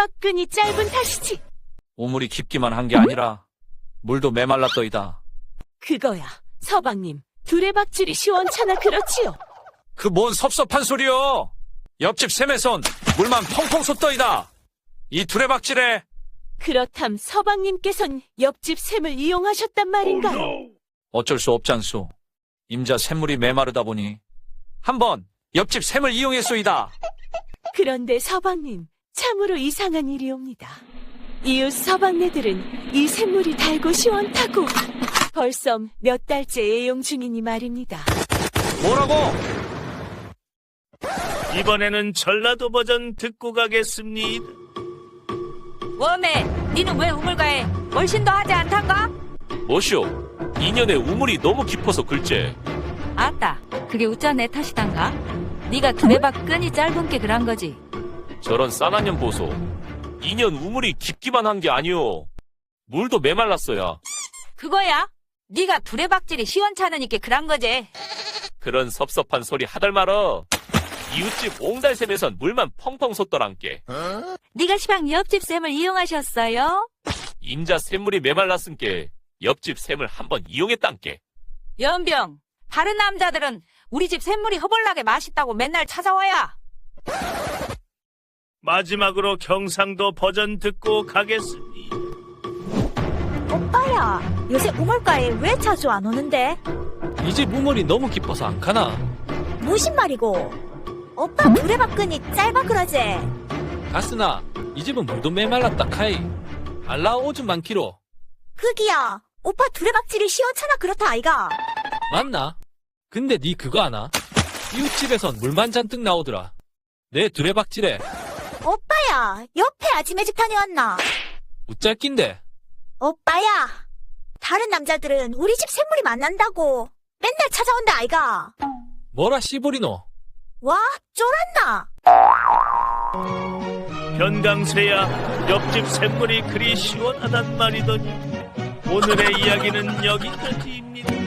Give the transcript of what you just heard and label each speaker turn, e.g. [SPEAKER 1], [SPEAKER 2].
[SPEAKER 1] 두레박근이 짧은 탓이지.
[SPEAKER 2] 우물이 깊기만 한 게 아니라 물도 메말랐더이다.
[SPEAKER 1] 그거야, 서방님. 두레박질이 시원찮아 그렇지요.
[SPEAKER 2] 그 뭔 섭섭한 소리여. 옆집 샘에선 물만 펑펑 솟더이다. 이 두레박질에.
[SPEAKER 1] 그렇담 서방님께선 옆집 샘을 이용하셨단 말인가요?
[SPEAKER 2] 어쩔 수 없잖소. 임자 샘물이 메마르다 보니 한번 옆집 샘을 이용했소이다.
[SPEAKER 1] 그런데 서방님, 참으로 이상한 일이옵니다. 이웃 서방네들은 이 샘물이 달고 시원타고 벌써 몇 달째 애용 중이니 말입니다.
[SPEAKER 2] 뭐라고?
[SPEAKER 3] 이번에는 전라도 버전 듣고 가겠습니다.
[SPEAKER 4] 웜에 니는 왜 우물가에 멀신도 하지 않단가?
[SPEAKER 5] 뭐쇼? 2년에 우물이 너무 깊어서 글째.
[SPEAKER 4] 아따, 그게 우짜 내 탓이단가? 니가 두레박 끈이 짧은 게 그런 거지.
[SPEAKER 5] 저런 싸난 년 보소. 2년 우물이 깊기만 한 게 아니오. 물도 메말랐어야.
[SPEAKER 4] 그거야? 니가 두레박질이 시원찮으니까 그런 거지.
[SPEAKER 5] 그런 섭섭한 소리 하덜 말어. 이웃집 옹달샘에선 물만 펑펑 솟더란께.
[SPEAKER 4] 니가 시방 옆집 샘을 이용하셨어요?
[SPEAKER 5] 임자 샘물이 메말랐은께 옆집 샘을 한번 이용했단께.
[SPEAKER 4] 연병, 다른 남자들은 우리 집 샘물이 허벌나게 맛있다고 맨날 찾아와야.
[SPEAKER 3] 마지막으로 경상도 버전 듣고 가겠습니다.
[SPEAKER 6] 오빠야, 요새 우물가에 왜 자주 안 오는데?
[SPEAKER 7] 이 집 우물이 너무 깊어서 안 가나?
[SPEAKER 6] 무슨 말이고? 오빠 두레박근이 짧아 그러지?
[SPEAKER 7] 가스나, 이 집은 물도 메말랐다 카이. 알라 오줌 많기로.
[SPEAKER 6] 그기야, 오빠 두레박질이 시원찮아 그렇다 아이가?
[SPEAKER 7] 맞나? 근데 니 그거 아나? 이웃집에선 물만 잔뜩 나오더라. 내 두레박질에
[SPEAKER 6] 오빠야, 옆에 아지매 집 다녀왔나?
[SPEAKER 7] 우짤낀데.
[SPEAKER 6] 오빠야, 다른 남자들은 우리 집 샘물이 만난다고 맨날 찾아온다 아이가?
[SPEAKER 7] 뭐라 씨부리노?
[SPEAKER 6] 와, 쫄았나?
[SPEAKER 3] 변강세야, 옆집 샘물이 그리 시원하단 말이더니 오늘의 이야기는 여기까지입니다.